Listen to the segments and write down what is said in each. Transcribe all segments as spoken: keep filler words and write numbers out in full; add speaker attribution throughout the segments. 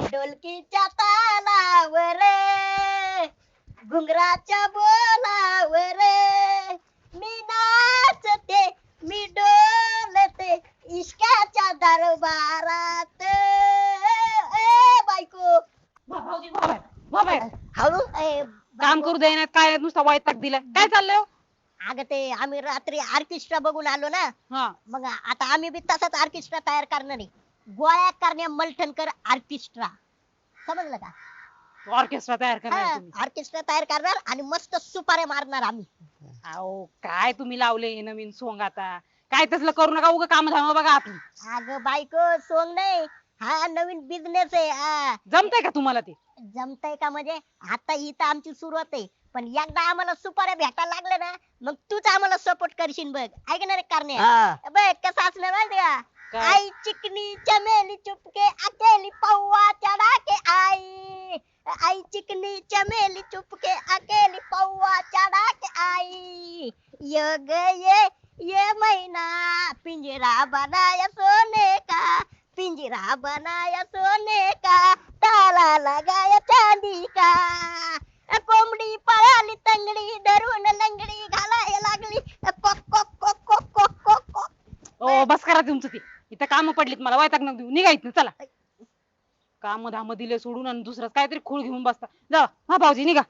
Speaker 1: ढोलकीच्या तालावर घुंगराच्या बोलावर मी नाचते मी डोलते इश्काच्या दरबारात ए बायको
Speaker 2: भाऊजी बाबा बाबा
Speaker 1: हळू ए,
Speaker 2: काम करू देण्यात काय नुसता वैताग दिलाय काय चाललंय हो?
Speaker 1: अगं ते आम्ही रात्री ऑर्केस्ट्रा बघून आलो ना
Speaker 2: हा
Speaker 1: मग आता आम्ही बी तसाच ऑर्केस्ट्रा तयार करणार आहे गोळ्या करण्या मलठणकर ऑर्केस्ट्रा समजलं का
Speaker 2: ऑर्केस्ट्रा तयार करणार तुम्ही
Speaker 1: ऑर्केस्ट्रा तयार करणार आणि मस्त सुपाऱ्या मारणार आम्ही
Speaker 2: अहो काय तुम्ही लावले हे नवीन सोंग आता काय तसलं करू नका उगा काम धाम बघा आपली
Speaker 1: अगं बायको सोंग नाही हा नवीन बिझनेस आहे हा.
Speaker 2: जमतंय का तुम्हाला ते
Speaker 1: जमतंय का म्हणजे आता ही तर आमची सुरुवात आहे पण एकदा आम्हाला सुपाऱ्या भेटायला लागले ना मग तूच आम्हाला सपोर्ट करशील बघ ऐकणार आहे करण्या
Speaker 3: हा.
Speaker 1: बघ कसं असणार माहिती का
Speaker 2: काय?
Speaker 1: आई चिकनी चमेली चुपके अकेली पौवा चढ़ा के आई आई चिकनी चमेली चुपके अकेली पौवा चढ़ा के आई ये ग ये ये महीना पिंजरा बनाया सोने का पिंजरा बनाया सोने का ताला लगाया चांदी का कोंबडी पळाली तंगडी धरून लंगडी घालायला लागली कोक कोक कोक कोक कोक कोक कोक
Speaker 2: ओ बस करा तुमचं ते इथं काम पडलीत मला वैताग नका देऊ निघा इथनं चला काम धाम दिले सोडून आणि दुसरंच काहीतरी खूळ घेऊन बसता जा हा भाऊजी निघा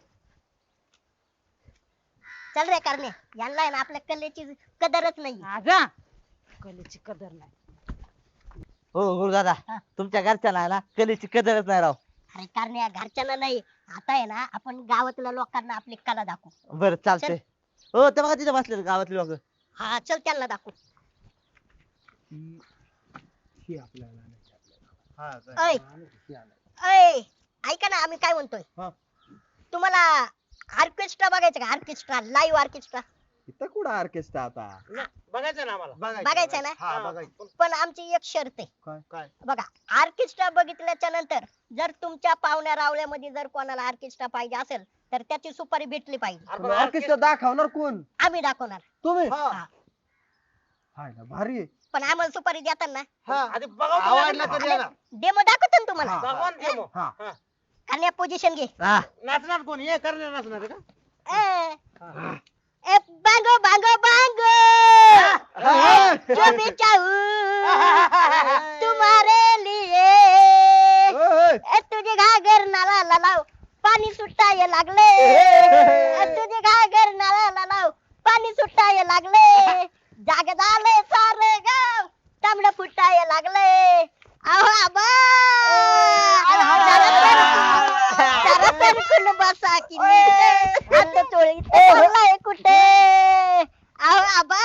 Speaker 1: चल रे करणे यांना आहे ना आपल्या कलेची कदरच नाही
Speaker 2: हा जा कलेची कदर नाही
Speaker 3: हो गुरुदादा
Speaker 1: हा.
Speaker 3: तुमच्या घरच्यांना ना कलेची कदरच नाही राव
Speaker 1: अरे करण्या घरच्यांना नाही आता आहे ना आपण गावातल्या लोकांना आपली कला दाखवू
Speaker 3: बरं चालतंय हो ते बघा तिथे बसले गावातले लोक
Speaker 1: हा चल त्यांना दाखवू ऐ ऐ ऐका ना आम्ही काय म्हणतोय
Speaker 4: हा.
Speaker 1: तुम्हाला ऑर्केस्ट्रा बघायचं का ऑर्केस्ट्रा लाईव्ह ऑर्केस्ट्रा
Speaker 4: इथं कुठं ऑर्केस्ट्रा आता
Speaker 5: बघायचं ना आम्हाला
Speaker 1: बघायचं ना
Speaker 4: हा बघायचं
Speaker 1: पण आमची एक शर्त आहे
Speaker 4: काय काय
Speaker 1: बघा ऑर्केस्ट्रा बघितल्याच्या नंतर जर तुमच्या पाहुण्या रावळ्यामध्ये जर कोणाला ऑर्केस्ट्रा पाहिजे असेल तर त्याची सुपारी भेटली पाहिजे
Speaker 4: ऑर्केस्ट्रा दाखवणार कोण
Speaker 1: आम्ही दाखवणार
Speaker 4: तुम्ही
Speaker 1: हा.
Speaker 4: हाय ना भारी आहे.
Speaker 1: पण आम्हाला सुपारी देताना
Speaker 5: आधी बघावं
Speaker 4: आवडला तर द्या ना.
Speaker 1: डेमो दाखवतो ना तुम्हाला
Speaker 4: हा.
Speaker 5: दाखवा ना demo.
Speaker 4: हा.
Speaker 1: कन्या पोझिशन घे
Speaker 3: हा
Speaker 5: नाचणार कोण हे करणार नाचणार आहे का
Speaker 1: ए, ए बांगो बांगो बांगो
Speaker 4: हा.
Speaker 1: जो भी चाहूं तुम्हारे लिए
Speaker 4: ओय, ओय.
Speaker 1: ए तुझे घागर नाला लालाव पाणी सुटाय लागले ए, तुझे घागर नाला लालाव पाणी सुटाय लागले जाग झाले सारे गाव तांबड फुटाय लागले अहो आबा जरा सरकून बसा की नीट. आता चोळीत पडलाय कुठे अहो आबा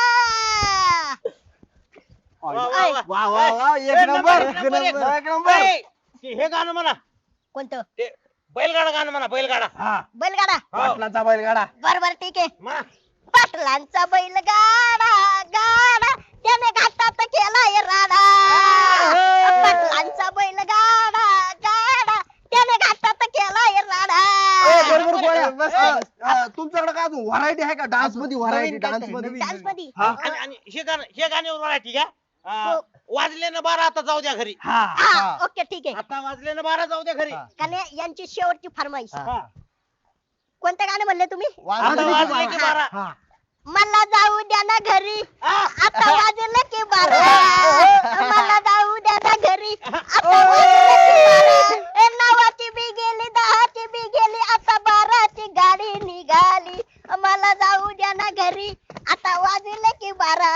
Speaker 5: वा, वा, वा.
Speaker 4: वा वा वा एक
Speaker 5: एक
Speaker 4: नंबर
Speaker 5: नंबर,
Speaker 4: एक
Speaker 5: एक नंबर,
Speaker 4: नंबर
Speaker 5: एक
Speaker 4: एक नंबर
Speaker 5: ए, ते हे गाणं म्हणा
Speaker 1: कोणतं
Speaker 5: ते बैलगाडा गाणं म्हणा बैलगाडा
Speaker 4: हा
Speaker 1: बैलगाडा
Speaker 4: पाटलाचा बैलगाडा
Speaker 1: बरोबर ठीक आहे
Speaker 5: म्हणा
Speaker 1: पाटलांचा बैलगाडा गाडा त्याने घाटात केलाय राडा पाटलांचा बैलगाडा गाडा त्याने घाटात केलाय राडा
Speaker 4: ए, बरोबर गोळ्या मस्त अं, तुमच्याकडे काय अजून व्हरायटी आहे का डान्स मध्ये व्हरायटी
Speaker 3: नवीन
Speaker 4: डान्स
Speaker 3: काहीतरी,
Speaker 4: मध्ये
Speaker 1: डान्स मध्ये
Speaker 4: हा.
Speaker 5: आणि आणि हे गाणं हे गाण्यावर मराठी का
Speaker 1: हो.
Speaker 5: अं, वाजले ना बारा आता जाऊ द्या घरी
Speaker 4: हा
Speaker 1: हा
Speaker 4: हा.
Speaker 1: ओके ठीक आहे
Speaker 5: आता वाजले ना बारा जाऊ द्या घरी
Speaker 4: हा.
Speaker 1: कारण यांची शेवटची फरमाईश
Speaker 4: हा.
Speaker 1: कोणतं गाणं म्हणले तुम्ही
Speaker 4: वाजले
Speaker 5: आता
Speaker 4: की
Speaker 5: वाजले की
Speaker 4: बारा.
Speaker 5: बारा
Speaker 4: हा.
Speaker 1: मला जाऊ द्या ना घरी आता वाजलं की बारा मला जाऊ द्या ना घरी आता वाजलं की बारा ए, नवाची बी गेली दहाची बी गेली आता बाराची गाडी निघाली मला जाऊ द्या ना घरी आता वाजले की बारा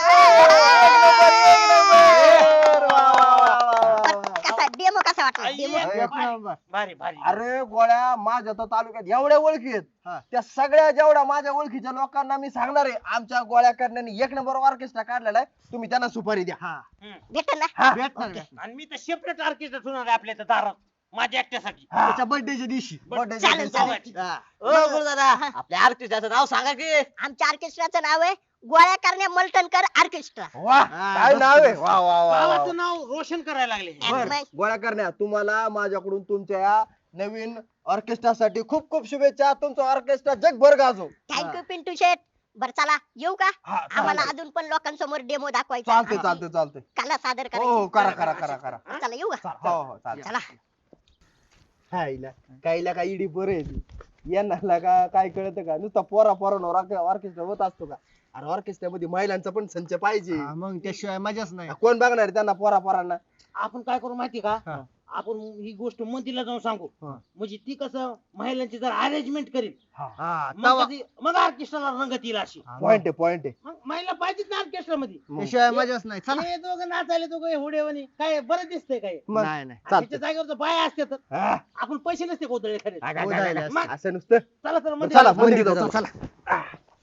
Speaker 4: वा, वा, वा, वा, वा.
Speaker 1: कसा डेमो कसा वाटला
Speaker 5: आई,
Speaker 1: डेमो
Speaker 5: एक
Speaker 4: एक
Speaker 5: भारी,
Speaker 4: नंबर.
Speaker 5: भारी भारी
Speaker 4: अरे गोळ्या माझ्या तर तालुक्यात एवढ्या ओळखी आहेत
Speaker 5: हा.
Speaker 4: त्या सगळ्या जेवढ्या माझ्या ओळखीच्या लोकांना मी सांगणार आहे आमच्या गोळ्या करण्याने एक नंबर ऑर्केस्ट्रा काढलेला आहे तुम्ही त्यांना सुपारी द्या
Speaker 5: हम्म.
Speaker 1: भेटेल ना
Speaker 4: हा.
Speaker 5: भेटणार, भेटणार. आणि मी तर सेपरेट ऑर्केस्ट्रा ठेवणार आहे आपल्या इथं दारात माझ्या एकट्यासाठी
Speaker 4: त्याच्या बर्थडेच्या दिवशी birthday-च्या
Speaker 1: चालेल,
Speaker 4: दिवशी.
Speaker 1: चालेल.
Speaker 4: हा.
Speaker 3: हो गुरुदादा आपल्या आर्टिस्टाचं नाव सांगा की
Speaker 1: आमच्या ऑर्केस्ट्राचं नाव आहे गोळ्या करण्या मलटणकर ऑर्केस्ट्रा
Speaker 4: वा काय नाव आहे वा वा वा, वा
Speaker 5: गावाचं नाव रोशन करायला लागले
Speaker 4: बर गोळ्या करण्या तुम्हाला माझ्याकडून तुमच्या या नवीन ऑर्केस्ट्रासाठी खूप खूप शुभेच्छा तुमचं ऑर्केस्ट्रा जगभर गाजो
Speaker 1: थँक्यू पिंटू शेठ बर चला येऊ का
Speaker 4: हा,
Speaker 1: आम्हाला
Speaker 4: चालतंय.
Speaker 1: अजून पण लोकांसमोर डेमो दाखवायचा
Speaker 4: चालते
Speaker 1: आहे.
Speaker 4: चालते चालते
Speaker 1: कला सादर
Speaker 4: हो हो
Speaker 1: करायची
Speaker 4: करा करा करा करा
Speaker 1: चला येऊ का
Speaker 4: हो हो चालते
Speaker 1: चला
Speaker 4: हायला काहीला काय इडी पोरं आहे ती यांना का काय कळतं का नुसता पोरा पोरांवर ऑर्केस्ट्रा होत असतो का अरे ऑर्केस्ट्रा मध्ये महिलांचा पण संच पाहिजे
Speaker 6: मग त्याशिवाय मजाच नाही.
Speaker 4: कोण बघणार आहे त्यांना पोरा पोरांना
Speaker 5: आपण काय करू माहिती का
Speaker 6: हा.
Speaker 5: आपण ही गोष्ट मंत्रीला जाऊन सांगू
Speaker 6: हा.
Speaker 5: म्हणजे ती कसं महिलांची जर अरेंजमेंट करील
Speaker 6: हा,
Speaker 5: मग
Speaker 6: तवा-
Speaker 5: कधी- मग ऑर्केस्ट्राला रंगत येईल अशी
Speaker 6: हा,
Speaker 4: पॉइंट आहे पॉइंट आहे
Speaker 5: मग महिला पाहिजेत ना ऑर्केस्ट्रा मध्ये
Speaker 6: त्याशिवाय मजाच नाही. चला.
Speaker 5: हे दोघं नाचायले दोघं हुडेवणी काय बरं दिसतंय काय
Speaker 4: मग
Speaker 6: नाही नाही
Speaker 5: त्याच्या जागेवर जर बाया असते तर
Speaker 4: हा.
Speaker 5: आपण पैसे नसते कोतळे खरे
Speaker 4: हा, हा,
Speaker 6: हो,
Speaker 4: हा,
Speaker 6: जायला
Speaker 4: हा.
Speaker 5: मग-
Speaker 4: असं नुसतं
Speaker 5: चला तर मध्ये
Speaker 4: चला
Speaker 5: जाऊ.
Speaker 4: मंदिर
Speaker 6: जाऊ,
Speaker 4: जाऊ.
Speaker 6: चला.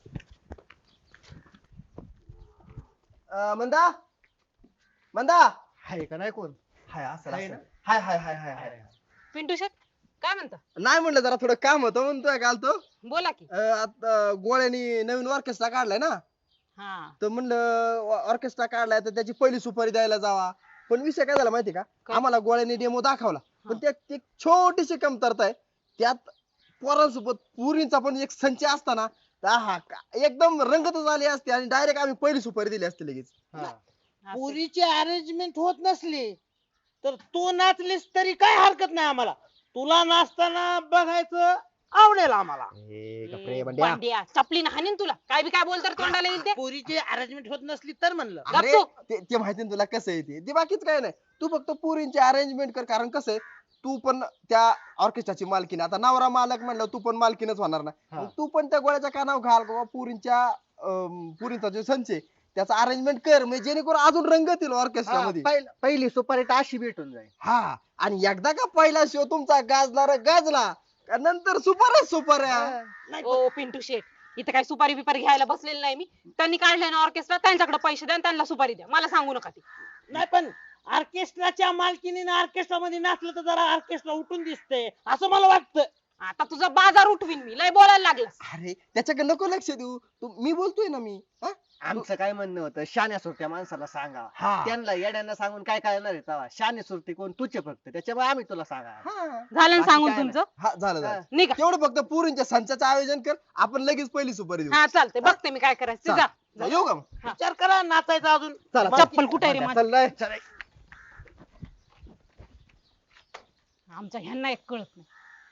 Speaker 4: अं, मंदा मंदा
Speaker 6: हाय का नाही कोण
Speaker 4: हाय असं
Speaker 6: हाय
Speaker 4: असं.
Speaker 6: ना?
Speaker 4: हाय हाय हाय हाय हाय
Speaker 2: पिंटू शेट काय म्हणता
Speaker 4: नाही म्हणलं जरा थोडं काम होतं म्हणतोय काल तो
Speaker 2: बोला की
Speaker 4: अं, आता गोळ्यानी नवीन ऑर्केस्ट्रा काढलाय ना
Speaker 2: हा
Speaker 4: तर म्हणलं ऑर्केस्ट्रा काढलाय तर त्याची पहिली सुपारी द्यायला जावा पण विषय काय झाला माहिती का
Speaker 2: काय?
Speaker 4: आम्हाला गोळ्याने डेमो दाखवला पण त्यात एक छोटीशी कमतरता आहे त्यात पोरांसोबत पुरींचा पण एक संच असताना हा एकदम रंगतच आली असते आणि डायरेक्ट आम्ही पहिली सुपारी दिली असते लगेच
Speaker 2: असं.
Speaker 5: पुरीची अरेंजमेंट होत नसली तर तू नाचलीस तरी काय हरकत नाही आम्हाला तुला नाचताना बघायचं आवडेल आम्हाला
Speaker 4: ए,
Speaker 2: ए,
Speaker 4: गप्रे बंड्या.
Speaker 2: बांड्या, चपलीनं हाणीन तुला काय बी काय बोलतर तोंडाला येईल ते
Speaker 5: पुरीची अरेंजमेंट होत नसली तर म्हणलं
Speaker 4: अरे
Speaker 2: गप्पू.
Speaker 4: ते ते माहिती ना तुला कसं आहे ते ते बाकीच काय नाही तू फक्त पुरींची अरेंजमेंट कर कारण कसं आहे तू पण त्या ऑर्केस्ट्राची मालकीन आता नवरा मालक म्हणलं तू पण मालकीनच होणार ना
Speaker 6: हा.
Speaker 4: मग तू पण त्या गोळ्याच्या कानावर घाल बाबा पुरींच्या अं, पुरींचा जो संच आहे त्याचा अरेंजमेंट कर म्हणजे जेणेकरून अजून रंगत येईल ऑर्केस्ट्रा
Speaker 6: हा,
Speaker 4: मध्ये
Speaker 6: पहिल- पहिली सुपारी तर अशी भेटून जाईल.
Speaker 4: हा आणि एकदा का पहिला शो तुमचा गाजला रे गाजला का नंतर सुपर सुपर
Speaker 5: नाही पण-
Speaker 2: ओ पिंटू शेट इथं काय सुपारी बिपारी घ्यायला बसलेली नाही मी त्यांनी काढलंय ना ऑर्केस्ट्रा त्यांच्याकडे पैसे द्या आणि त्यांना सुपारी द्या मला सांगू नका ती
Speaker 5: नाही पण ऑर्केस्ट्राच्या मालकीने ऑर्केस्ट्रा मध्ये नाचलं तर जरा ऑर्केस्ट्रा उठून दिसते असं मला वाटतं
Speaker 2: आता तुझा बाजार उठवीन मी लय बोलायला लागलास
Speaker 4: अरे त्याच्याकडे नको लक्ष देऊ तू मी बोलतोय ना मी हा?
Speaker 6: आमचं काय म्हणणं होतं शान्या सुरत्या माणसाला सांगा
Speaker 4: हा.
Speaker 6: त्यांना येड्यांना सांगून काय करणार आहे तेव्हा शाने सुरते कोण तुझे फक्त त्याच्यामुळे आम्ही तुला सांगा
Speaker 4: हा
Speaker 2: झालं ना
Speaker 6: बाकी
Speaker 2: सांगून
Speaker 6: काय
Speaker 2: तुमचं
Speaker 4: हा झालं झालं
Speaker 2: निघा
Speaker 4: तेवढं फक्त पुरींच्या संचाचं आयोजन कर आपण लगेच पहिली सुपारी देऊ
Speaker 2: हा चालतंय बघते मी काय करायचं ते
Speaker 4: चाल.
Speaker 2: जा
Speaker 4: जा, येऊ का मग?
Speaker 5: विचार करा नाचायचं अजून
Speaker 4: चला
Speaker 5: मला-
Speaker 2: चप्पल कुठे रे माझी
Speaker 4: चल रे. चल रे.
Speaker 2: आमच्या ह्यांना एक कळत नाही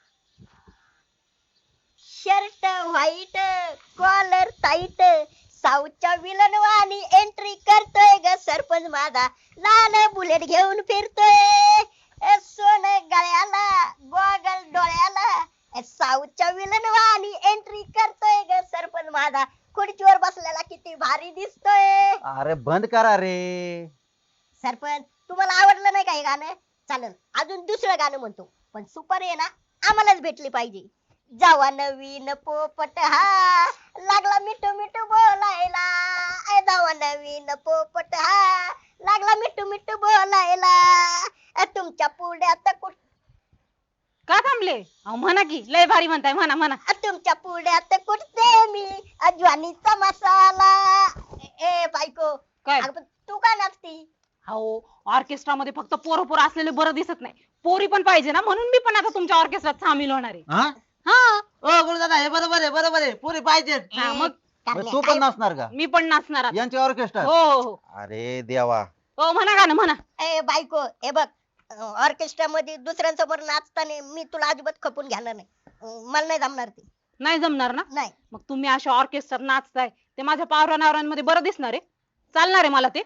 Speaker 1: शर्ट व्हाईट कॉलर टाईट साऊथच्या विलन वाणी एंट्री करतोय ग सरपंच माझा लाल बुलेट घेऊन फिरतोय ए, सोनं गळ्याला गोगल डोळ्याला ए, साऊथच्या विलन वाणी एंट्री करतोय ग सरपंच माझा खुर्चीवर बसलेला किती भारी दिसतोय
Speaker 3: अरे बंद करा रे
Speaker 1: सरपंच तुम्हाला आवडलं नाही का हे गाणं चालेल अजून दुसरं गाणं म्हणतो पण सुपर आहे ना आम्हालाच भेटली पाहिजे जावा नवीन पोपट हा लागला मिठू मिठू बोलायला ए, जावा नवीन पोपट हा लागला मिठू मिठू बोलायला ए, तुमच्या पुढ्यात कुठ
Speaker 2: का थांबले अहो म्हणा की लय भारी म्हणताय म्हणा म्हणा
Speaker 1: अ, तुमच्या पुढ्यात कुठते मी अज्वानीचा मसाला ए, ए बायको
Speaker 2: काय
Speaker 1: अगं, पण तू का नाचती
Speaker 2: हो ऑर्केस्ट्रा मध्ये फक्त पोरं पोरं असलेले बरं दिसत नाही पोरी पण पाहिजे ना म्हणून मी पण आता तुमच्या ऑर्केस्ट्रात सामील होणार आहे
Speaker 3: हा
Speaker 2: हा
Speaker 3: ओ गुरुदादा हे बरोबर आहे बरोबर आहे पुरी पाहिजेत
Speaker 2: हा,
Speaker 1: ए,
Speaker 2: मग
Speaker 1: कारण्या,
Speaker 3: तू पण
Speaker 1: काय-
Speaker 3: नसणार का
Speaker 2: मी पण नाचणार आता.
Speaker 3: यांची ऑर्केस्ट्रा
Speaker 2: हो हो हो
Speaker 3: अरे देवा
Speaker 2: हो म्हणा का ना म्हणा
Speaker 1: ए बायको हे बघ ऑर्केस्ट्रा मध्ये दुसऱ्यांसमोर नाचताना मी तुला अजिबात खपून घेणार नाही अं, मला नाही जमणार ते
Speaker 2: नाही जमणार ना
Speaker 1: नाही
Speaker 2: मग तुम्ही अशा ऑर्केस्ट्रात नाचताय ते माझ्या पावरा नावरांमध्ये बरं दिसणार आहे चालणार आहे मला ते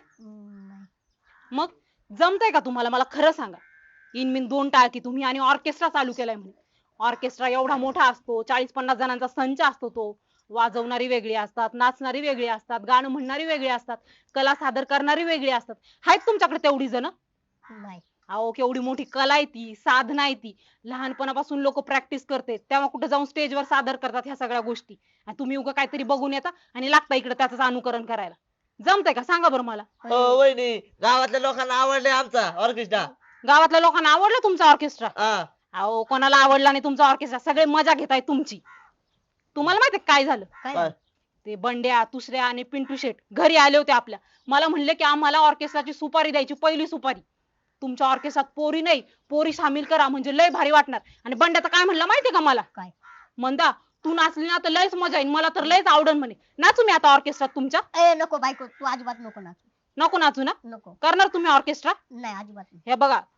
Speaker 2: मग जमतंय का तुम्हाला मला खरं सांगा इन मिन दोन टाळकी तुम्ही आणि ऑर्केस्ट्रा चालू केलाय म्हणे ऑर्केस्ट्रा एवढा मोठा असतो चाळीस पन्नास जणांचा संच असतो तो वाजवणारी वेगळी असतात नाचणारी वेगळी असतात गाणं म्हणणारी वेगळी असतात कला सादर करणारी वेगळी असतात आहेत तुमच्याकडे तेवढी जण
Speaker 1: नाही
Speaker 2: अहो केवढी मोठी कला आहे ती साधना आहे ती लहानपणापासून लोक प्रॅक्टिस करते तेव्हा कुठे जाऊन स्टेजवर सादर करतात ह्या सगळ्या गोष्टी आणि तुम्ही उगा काहीतरी बघून येता आणि लागता इकडे त्याच अनुकरण करायला जमतंय का सांगा बरं मला
Speaker 3: हो वहिनी गावातल्या लोकांना आवडले आमचा ऑर्केस्ट्रा
Speaker 2: गावातल्या लोकांना आवडलं तुमचा ऑर्केस्ट्रा
Speaker 3: हा
Speaker 2: अहो कोणाला आवडला नाही तुमचा ऑर्केस्ट्रा सगळे मजा घेताय तुमची तुम्हाला माहितीये काय झालं
Speaker 1: काय
Speaker 3: काय?
Speaker 2: ते बंड्या तुसऱ्या आणि पिंटू शेट घरी आले होते आपल्या मला म्हणले की आम्हाला ऑर्केस्ट्राची सुपारी द्यायची पहिली सुपारी तुमच्या ऑर्केस्ट्रात पोरी नाही पोरी सामील करा म्हणजे लय भारी वाटणार आणि बंड्या तर काय म्हणला माहितीये का मला
Speaker 1: काय?
Speaker 2: म्हणता तू नाचली ना तर लयच मजा येईल मला तर लयच आवडन म्हणे नाचू मी आता ऑर्केस्ट्रात तुमच्या
Speaker 1: ए नको बायको तू अजिबात नको नाचू
Speaker 2: नको नाचू ना
Speaker 1: नको
Speaker 2: करणार तुम्ही ऑर्केस्ट्रा
Speaker 1: नाही अजिबात नाही
Speaker 2: हे बघा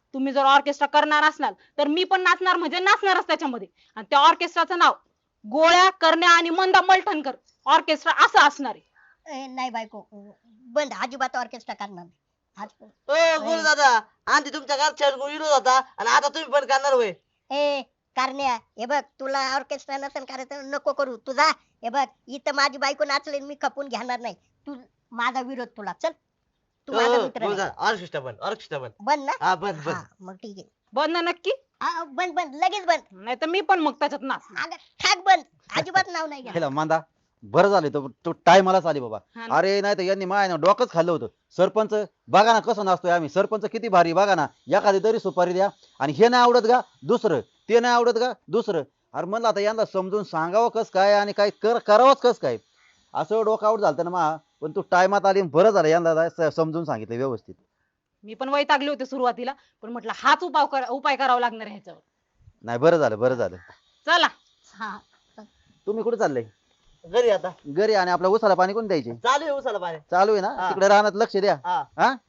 Speaker 2: तुम्ही जर ऑर्केस्ट्रा करणार असणार तर मी पण नाचणार म्हणजे नाचणारच त्याच्यामध्ये. आणि त्या ऑर्केस्ट्राचं नाव गोळ्या करण्या आणि मंदा मलठणकर ऑर्केस्ट्रा असं असणार आहे.
Speaker 1: ए, नाही बायको बंद, अजिबात ऑर्केस्ट्रा करणार नाही. आज-
Speaker 3: ओ गुरु दादा आधी तुमच्या घरच्या विरोध होता आणि आता तुम्ही पण करणार होय.
Speaker 1: ए कारण्या, हे बघ तुला ऑर्केस्ट्रा नसेल करायचं नको करू तुझा. हे बघ इथं माझी बायको नाचले मी खपून घेणार नाही. तू माझा विरोध तुला, चल तू माझा
Speaker 3: ओ,
Speaker 1: मित्र
Speaker 3: गुरु
Speaker 1: नाही.
Speaker 3: दादा ऑर्केस्ट्रा बंद ऑर्केस्ट्रा बंद.
Speaker 1: बंद ना?
Speaker 3: हा बंद
Speaker 1: हा,
Speaker 3: बंद.
Speaker 1: मग ठीक आहे.
Speaker 2: बंद ना नक्की?
Speaker 1: हा, बंद बंद लगेच बंद.
Speaker 2: नाही तर मी पण मग त्याच्यात नाच.
Speaker 1: अगं, ठाक बंद, अजिबात नाव नाही घ्या.
Speaker 7: हेला मांदा बरं झालं तो तो टायमालाच आली बाबा.
Speaker 2: हा ना.
Speaker 7: अरे नाही तर यांनी माय डोकंच खाल्लं होतं. सरपंच बघा ना कसं नाचतोय आम्ही, सरपंच किती भारी बघा ना, एखादी तरी सुपारी द्या. आणि हे नाही आवडत का दुसरं, ते नाही आवडत का दुसरं. अरे म्हणलं आता यांना समजून सांगावं कस काय आणि काय कर करावंच कस काय. असं डोकं आउट झालं ना मा, पण तू टायमात आली बरं झालं, यंदा स- समजून सांगितलं व्यवस्थित.
Speaker 2: मी पण वैतागले होते सुरुवातीला, पण म्हटलं हाच उपाय करा उपाय करावा लागणार आहे ह्याच्यावर.
Speaker 7: नाही बरं झालं बरं झालं.
Speaker 2: चला.
Speaker 1: हा
Speaker 7: तुम्ही कुठे चालले?
Speaker 3: घरी आता
Speaker 7: घरी. आणि आपल्या उसाला पाणी कोण द्यायचे?
Speaker 3: चालू आहे उसाला पाणी.
Speaker 7: चालू आहे ना,
Speaker 3: हा.
Speaker 7: तिकडे रानात लक्ष द्या.
Speaker 3: हा
Speaker 7: हा